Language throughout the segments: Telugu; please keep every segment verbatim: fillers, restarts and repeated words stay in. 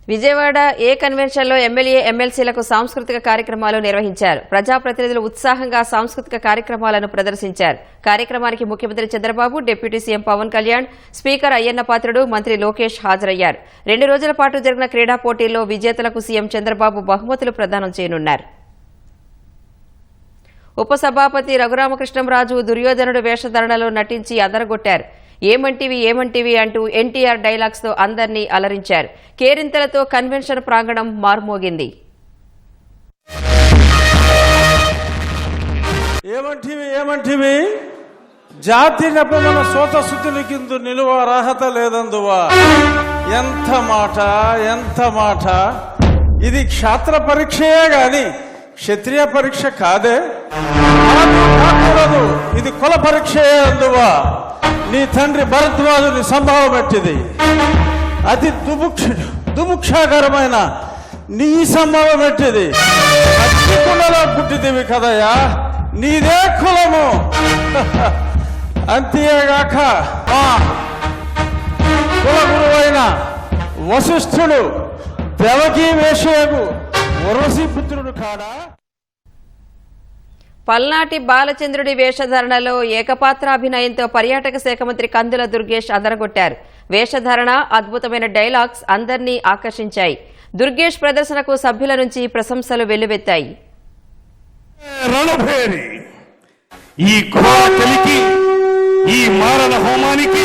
విజయవాడ ఏ కన్వెన్షన్లో ఎమ్మెల్యే ఎమ్మెల్సీలకు సాంస్కృతిక కార్యక్రమాలు నిర్వహించారు. ప్రజాప్రతినిధులు ఉత్సాహంగా సాంస్కృతిక కార్యక్రమాలను ప్రదర్శించారు. కార్యక్రమానికి ముఖ్యమంత్రి Chandrababu, deputy CM Pawan Kalyan, speaker Ayyanna Patrudu, మంత్రి లోకేష్ హాజరయ్యారు. రెండు రోజుల పాటు జరిగిన క్రీడా పోటీల్లో విజేతలకు సీఎం చంద్రబాబు బహుమతులు ప్రదానం చేయనున్నారు. ఉపసభాపతి రఘురామకృష్ణంరాజు దుర్యోధనుడు వేషధారణలో నటించి అదరగొట్టారు. ఏమంటివి ఏమంటివి అంటూ ఎన్టీఆర్ డైలాగ్స్ తో అందరినీ అలరించారు. కేరింతలతో కన్వెన్షన్ ప్రాంగణం మార్మోగింది. ఏమంటివి ఏమంటివి జాతి నెపమన సోత శుద్ధుని కింద నిలువ అర్హత లేదందువా. ఎంత మాట ఎంత మాట. ఇది క్షాత్ర పరీక్షయే గాని క్షత్రియ పరీక్ష కాదే. కాకూడదు, ఇది కుల పరీక్షయే అందువా. నీ తండ్రి భరద్వాజుని సంభావం పెట్టింది. అతి దుముక్ష దుముక్షాకరమైన నీ సంభావం పెట్టింది. అతి కులలో పుట్టిదివి కదయ్యా, నీదే కులము. అంతేగాక మా కుల గురువైన వశిష్ఠుడు దేవకీ వేషయకు ఉర్వశీ పుత్రుడు కాడా. పల్నాటి బాలచంద్రుడి వేషధారణలో ఏకపాత్రాభినయంతో పర్యాటక శాఖ మంత్రి కందుల దుర్గేష్ అదరగొట్టారు. వేషధారణ, అద్భుతమైన డైలాగ్స్ అందర్నీ ఆకర్షించాయి. దుర్గేష్ ప్రదర్శనకు సభ్యుల నుంచి ప్రశంసలు వెల్లువెత్తాయి. రణభేరి ఈ ఘోరకలికి, ఈ మారణ హోమానికి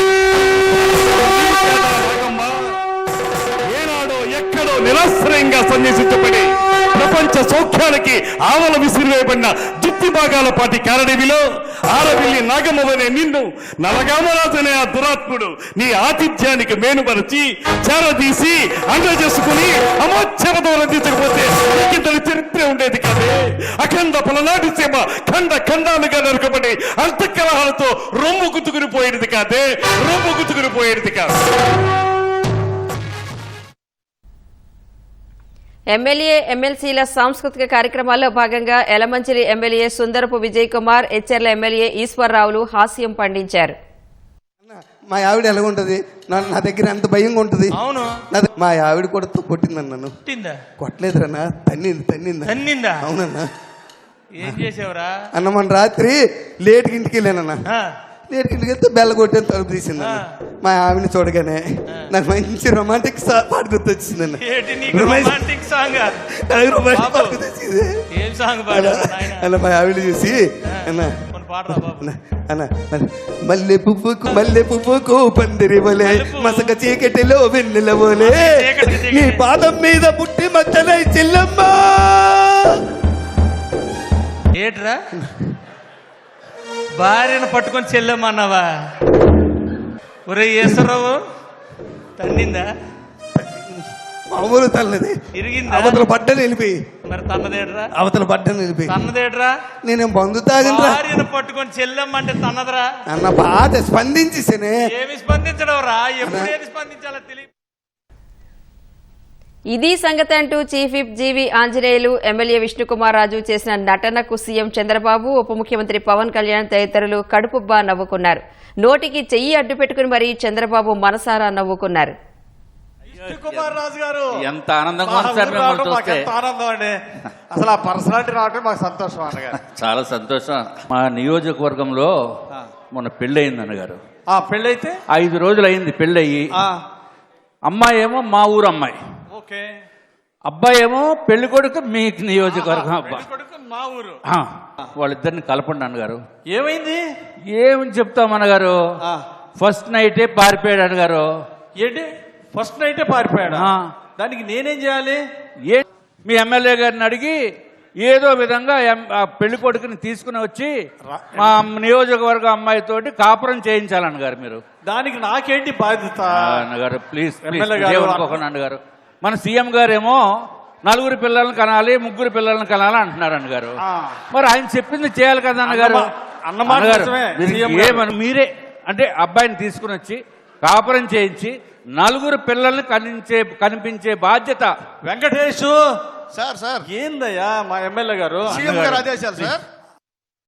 ఏనాడో ఎక్కడో నిరాశ్రయంగా సన్యాసించబడి ప్రపంచ సౌఖ్యానికి ఆవల విసిరివేయబడిన దుత్తి భాగాల పాటి కారడవిలో ఆరవిల్లి నాగమ్మవనే నిన్ను నలగామరాజనే ఆ దురాత్ముడు నీ ఆతిథ్యానికి మేనుపరిచి చేరదీసి అండ చేసుకుని అమోచ్ఛవతో రందించకపోతే ఇంతటి చరిత్ర ఉండేది కాదే. అఖండ పలనాటి సీమ ఖండ ఖండాలుగా నరకబడి అంతఃకలహాలతో రొమ్ము గుతుకుని పోయేది కాదే, రొమ్ము గుతుకుని పోయేది కాదు. ఎమ్మెల్యే ఎమ్మెల్సీల సాంస్కృతిక కార్యక్రమాల్లో భాగంగా ఎలమంచిలి ఎమ్మెల్యే సుందరపు విజయ్ కుమార్, ఎచ్చెర్ల ఎమ్మెల్యే ఈశ్వరరావులు హాస్యం పండించారు. మా ఆవిడ ఎలాగుంటది, నా దగ్గర ఎంత భయంగా ఉంటది. అవును, మా ఆవిడ కూడా కొట్టిందన్న. నన్ను కొట్టలేదురన్నా, తన్నింది తన్నిందా తన్నిందా అవునన్నా. ఏం చేసావురా అన్న మన రాత్రి లేట్కి ఇంటికి వెళ్ళానన్నా. లేట్కి ఇంటికి వెళ్తే బెల్ల కొట్టాను, తలుపు తీసింది. మా ఆవిడని చూడగానే నాకు మంచి రొమాంటిక్ పాట గుర్తొచ్చిందన్న. అన్న మా ఆవిడ చూసి అన్న అన్న మల్లె పువ్వుకు మల్లె పువ్వుకు పందిరి వలే మసక చీకటిలో వెన్నెల వలే నీ పాదం మీద పుట్టి మచ్చనై చెల్లమ్మా. ఏట్రా భార్యను పట్టుకొని చెల్లెమ్మన్నావా? ఒరే ఈశ్వరరావు, తన్నిందా? మామూలు తల్లది, ఇరిగిందా? అవతల పడ్డని వెళ్ళిపోయి. మరి తన్నదేట్రా? అవతల పడ్డని వెళ్ళిపోయి. తన్నదేట్రా? నేనేం బంధు తాగినరా? భార్యను పట్టుకొని చెల్లెమ్మంటే తన్నదరా అన్న. బాధ స్పందించేసేనే. ఏమి స్పందించడం రా, ఎప్పుడు ఏది స్పందించాలో తెలియదు. ఇది సంగతి అంటూ chief whip G V Anjaneyulu, MLA Vishnukumar Raju చేసిన నటనకు సీఎం చంద్రబాబు, ఉప ముఖ్యమంత్రి పవన్ కళ్యాణ్ తదితరులు కడుపుబ్బా నవ్వుకున్నారు. నోటికి చెయ్యి అడ్డు పెట్టుకుని మరీ చంద్రబాబు మనసారా నవ్వుకున్నారు. విష్ణుకుమార్ రాజు గారు ఎంత ఆనందంగా ఆనందం అండి. అసలు ఆ పర్సనాలిటీ రావటం మాకు సంతోషం అన్నగారు. చాలా సంతోషం. మా నియోజకవర్గంలో మొన్న పెళ్ళయింది అన్నగారు. ఆ పెళ్ళైతే ఐదు రోజులు అయింది పెళ్ళయి. అమ్మాయి ఏమో మా ఊరు అమ్మాయి, అబ్బాయి ఏమో పెళ్లి కొడుకు మీ నియోజకవర్గం అబ్బాయి. మా ఊరు. వాళ్ళిద్దరిని కలపండి అన్నగారు. ఏమైంది? ఏమని చెప్తాం అన్నగారు, ఫస్ట్ నైటే పారిపోయాడు అన్నగారు. ఏంటి ఫస్ట్ నైటే పారిపోయాడు? దానికి నేనేం చేయాలి? ఏ మీ ఎమ్మెల్యే గారిని అడిగి ఏదో విధంగా పెళ్లి కొడుకుని తీసుకుని వచ్చి మా నియోజకవర్గ అమ్మాయితోటి కాపురం చేయించాలన్నగారు మీరు. దానికి నాకేంటి బాధ్యత అన్నగారు? ప్లీజ్ అనుకోకండి అన్నగారు. మన సీఎం గారేమో నలుగురు పిల్లల్ని కనాలి, ముగ్గురు పిల్లల్ని కనాలి అంటున్నారు అన్నగారు. మరి ఆయన చెప్పింది చేయాలి కదా అన్నగారు. ఏమని మీరే అంటే అబ్బాయిని తీసుకుని వచ్చి కాపురం చేయించి నలుగురు పిల్లల్ని కనిపించే కనిపించే బాధ్యత వెంకటేష్ సార్. సార్ ఏందయ్యా మా ఎమ్మెల్యే గారు సీఎం గారు ఆదేశాలు సార్.